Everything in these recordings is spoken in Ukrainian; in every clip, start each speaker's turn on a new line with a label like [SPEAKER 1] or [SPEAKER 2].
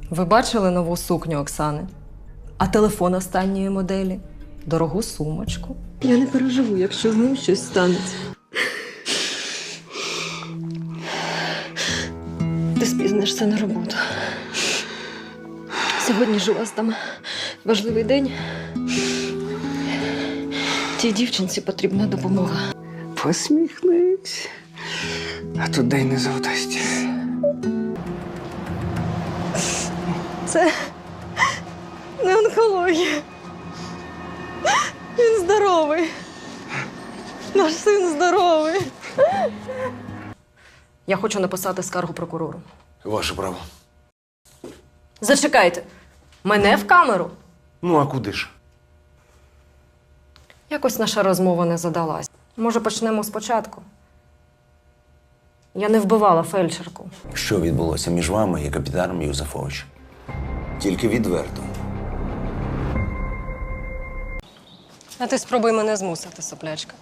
[SPEAKER 1] Ви бачили нову сукню Оксани? А телефон останньої моделі? Дорогу сумочку?
[SPEAKER 2] Я не переживу, якщо з ним щось станеться. Ти спізнишся на роботу. Сьогодні ж у вас там важливий день. Тій дівчинці потрібна допомога.
[SPEAKER 3] Посміхнись. А то день не завдасть.
[SPEAKER 2] Це не онкологія. Він здоровий. Наш син здоровий.
[SPEAKER 1] Я хочу написати скаргу прокурору.
[SPEAKER 4] Ваше право.
[SPEAKER 1] Зачекайте! Мене в камеру?
[SPEAKER 4] Ну, а куди ж?
[SPEAKER 1] Якось наша розмова не задалась. Може, почнемо спочатку? Я не вбивала фельдшерку.
[SPEAKER 5] Що відбулося між вами і капітаном Юзефовичем? Тільки відверто.
[SPEAKER 1] А ти спробуй мене змусити, соплячка.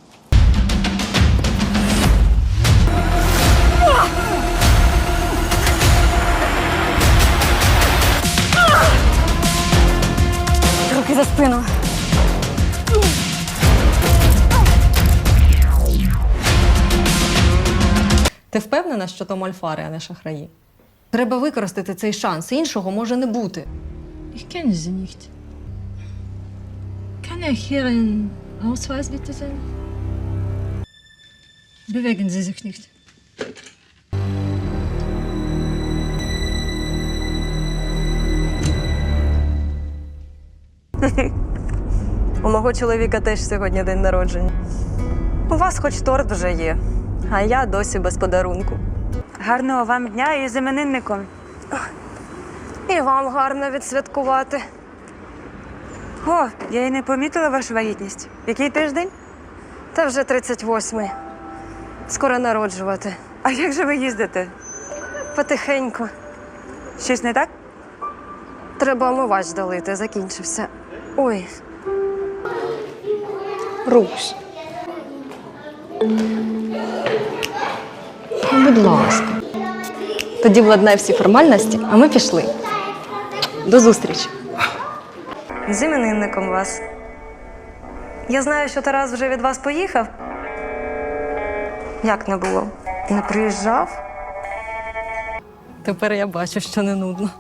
[SPEAKER 1] Руки за спину. Ти впевнена, що то мольфари, а не шахраї? Треба використати цей шанс. Іншого може не бути.
[SPEAKER 6] Ich kenne sie nicht. Kann er hier einen Ausweis bitte sein? Bewegen Sie sich nicht.
[SPEAKER 2] У мого чоловіка теж сьогодні день народження. У вас хоч торт вже є, а я досі без подарунку.
[SPEAKER 7] Гарного вам дня і з іменинником.
[SPEAKER 2] І вам гарно відсвяткувати.
[SPEAKER 7] О, я й не помітила вашу вагітність. Який тиждень?
[SPEAKER 2] Та вже 38-й. Скоро народжувати.
[SPEAKER 7] А як же ви їздите?
[SPEAKER 2] Потихеньку.
[SPEAKER 7] Щось не так?
[SPEAKER 2] Треба омивач долити, закінчився. Ой. Руш. Будь ласка. Тоді владнай всі формальності, а ми пішли. До зустрічі. З іменинником вас. Я знаю, що Тарас вже від вас поїхав. Як не було? Не приїжджав?
[SPEAKER 1] Тепер я бачу, що не нудно.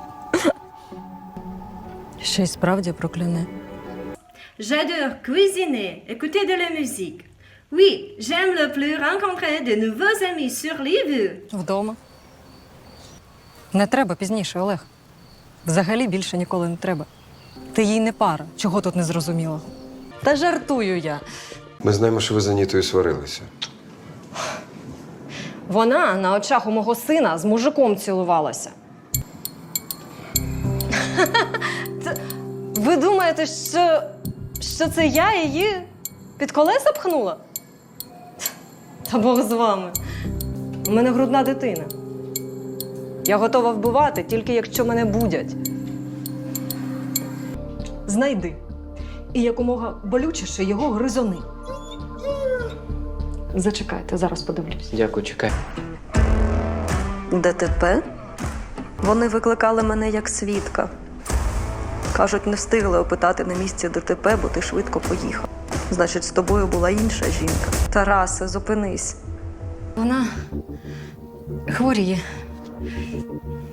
[SPEAKER 1] Ще й справді прокляне.
[SPEAKER 8] J'adore cuisiner, écouter de la musique. Oui, j'aime le plus rencontrer de nouveaux amis sur les vues.
[SPEAKER 1] Вдома. Не треба пізніше, Олег. Взагалі більше ніколи не треба. Ти їй не пара. Чого тут не зрозуміло? Та жартую я.
[SPEAKER 4] Ми знаємо, що ви з Анітою сварилися.
[SPEAKER 1] Вона на очах у мого сина з мужиком цілувалася. Ви думаєте, що це я її під колеса пхнула? Та Бог з вами. У мене грудна дитина. Я готова вбивати, тільки якщо мене будять. Знайди. І якомога болючіше його гризони. Зачекайте, зараз подивлюсь.
[SPEAKER 3] Дякую, чекай.
[SPEAKER 2] ДТП? Вони викликали мене як свідка. Кажуть, не встигли опитати на місці ДТП, бо ти швидко поїхав. Значить, з тобою була інша жінка. Тарасе, зупинись.
[SPEAKER 1] Вона хворіє.